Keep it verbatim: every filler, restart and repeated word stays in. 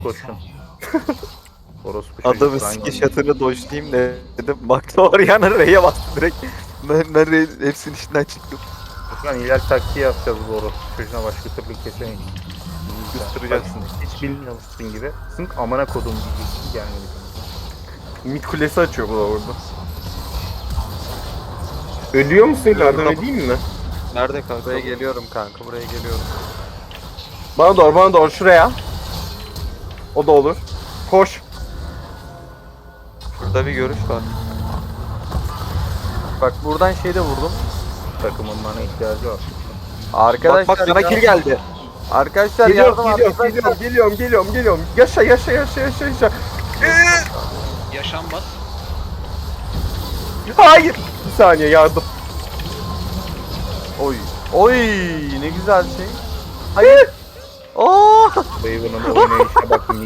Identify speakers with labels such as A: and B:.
A: koşun. Orospu
B: Adamı
A: çocuk,
B: siki
A: aynen.
B: şatını dojlayayım dedim. Baktı Orianna R'ye bastı direkt. Ben, ben R'ye hepsinin içinden çıktım.
A: Furkan ilal taktiği yapacağız bu orospu çocuğuna, başka türlü kesemeyiz.
B: Kıstıracaksın.
A: Bak, hiç bilmiyormuşsun gibi. Sınk amına kodum diyeceksin, gelmedi.
C: Mid kulesi açıyor bu da orada. Ölüyor musun? Yardım edeyim mi?
B: Nerede kanka?
D: Buraya geliyorum kanka, buraya geliyorum.
C: Bana doğru, bana doğru şuraya. O da olur. Koş.
B: Şurada bir görüş var.
D: Bak buradan şey de vurdum.
A: Takımın bana ihtiyacı var.
D: Arkadaşlar
B: Bak bak sana
D: ya-
B: kill geldi.
D: Arkadaşlar
C: Geliyorum,
D: yardım
C: geliyorum,
D: arkadaşlar.
C: geliyorum, geliyorum, geliyorum, geliyorum. Yaşa, yaşa, yaşa, yaşa, yaşa.
E: Yaşanmaz.
C: Hayır. Bir saniye yardım.
D: Oy. Oy ne güzel şey. Hayır. Oo.
A: Raven'ın oynayışına bakın.